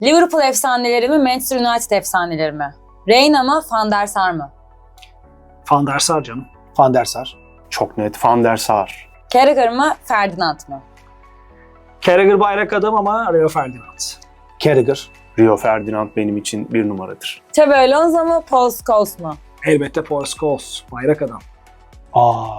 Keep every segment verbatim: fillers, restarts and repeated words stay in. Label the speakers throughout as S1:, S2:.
S1: Liverpool efsaneleri mi, Manchester United efsaneleri mi? Reina mı, Van der Sar mı?
S2: Van der Sar canım.
S3: Van der Sar.
S4: Çok net Van der Sar.
S1: Carragher mı, Ferdinand mı?
S2: Carragher bayrak adam ama Rio Ferdinand.
S3: Carragher.
S4: Rio Ferdinand benim için bir numaradır.
S1: Xabi Alonso mu, Paul Scholes mu?
S2: Elbette Paul Scholes. Bayrak adam.
S3: Aa.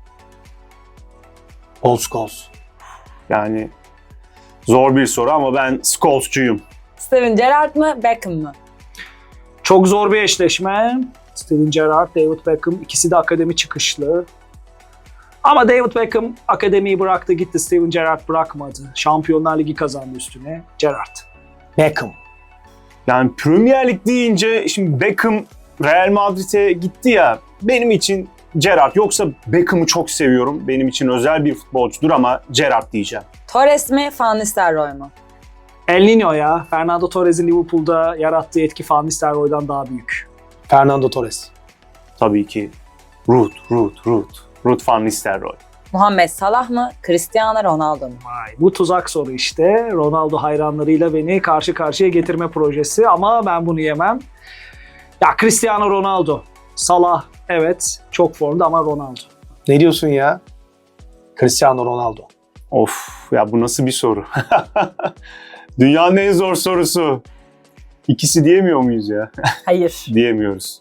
S3: Paul Scholes.
S4: Yani zor bir soru ama ben Scholes'cuyum.
S1: Steven Gerrard mı, Beckham mı?
S2: Çok zor bir eşleşme. Steven Gerrard, David Beckham ikisi de akademi çıkışlı. Ama David Beckham akademiyi bıraktı gitti. Steven Gerrard bırakmadı. Şampiyonlar Ligi kazandı üstüne. Gerrard.
S3: Beckham.
S4: Yani Premier Lig deyince şimdi Beckham Real Madrid'e gitti ya, benim için Gerrard. Yoksa Beckham'ı çok seviyorum. Benim için özel bir futbolcudur ama Gerrard diyeceğim.
S1: Torres mi, Van Nistelrooy mu?
S2: El Niño ya. Fernando Torres'in Liverpool'da yarattığı etki Van Nistelrooy'dan daha büyük.
S3: Fernando Torres.
S4: Tabii ki Ruud, Ruud, Ruud. Ruud van Nistelrooy.
S1: Muhammed Salah mı, Cristiano Ronaldo mu?
S2: Vay, bu tuzak soru işte. Ronaldo hayranlarıyla beni karşı karşıya getirme projesi ama ben bunu yemem. Ya Cristiano Ronaldo. Salah evet çok formda ama Ronaldo.
S3: Ne diyorsun ya? Cristiano Ronaldo.
S4: Of ya, bu nasıl bir soru? Dünyanın en zor sorusu. İkisi diyemiyor muyuz ya?
S1: Hayır.
S4: Diyemiyoruz.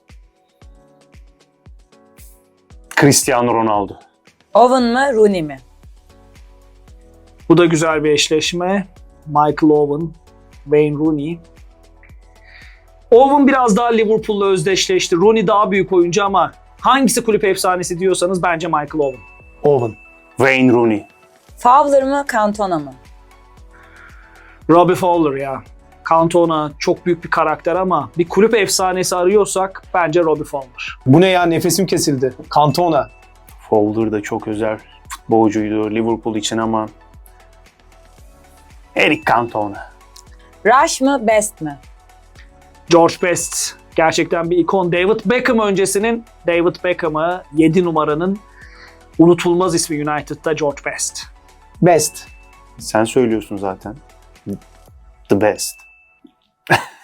S4: Cristiano Ronaldo.
S1: Owen mı, Rooney mi?
S2: Bu da güzel bir eşleşme. Michael Owen, Wayne Rooney. Owen biraz daha Liverpool'la özdeşleşti. Rooney daha büyük oyuncu ama hangisi kulüp efsanesi diyorsanız bence Michael Owen.
S3: Owen.
S4: Wayne Rooney.
S1: Fowler mı, Cantona mı?
S2: Robbie Fowler ya. Cantona çok büyük bir karakter ama bir kulüp efsanesi arıyorsak bence Robbie Fowler.
S3: Bu ne ya? Nefesim kesildi. Cantona.
S4: Fowler da çok özel futbolcuydu Liverpool için ama Eric Cantona.
S1: Rush mı, Best mi?
S2: George Best gerçekten bir ikon. David Beckham öncesinin David Beckham'ı yedi numaranın unutulmaz ismi United'da George Best.
S3: Best.
S4: Sen söylüyorsun zaten. The best.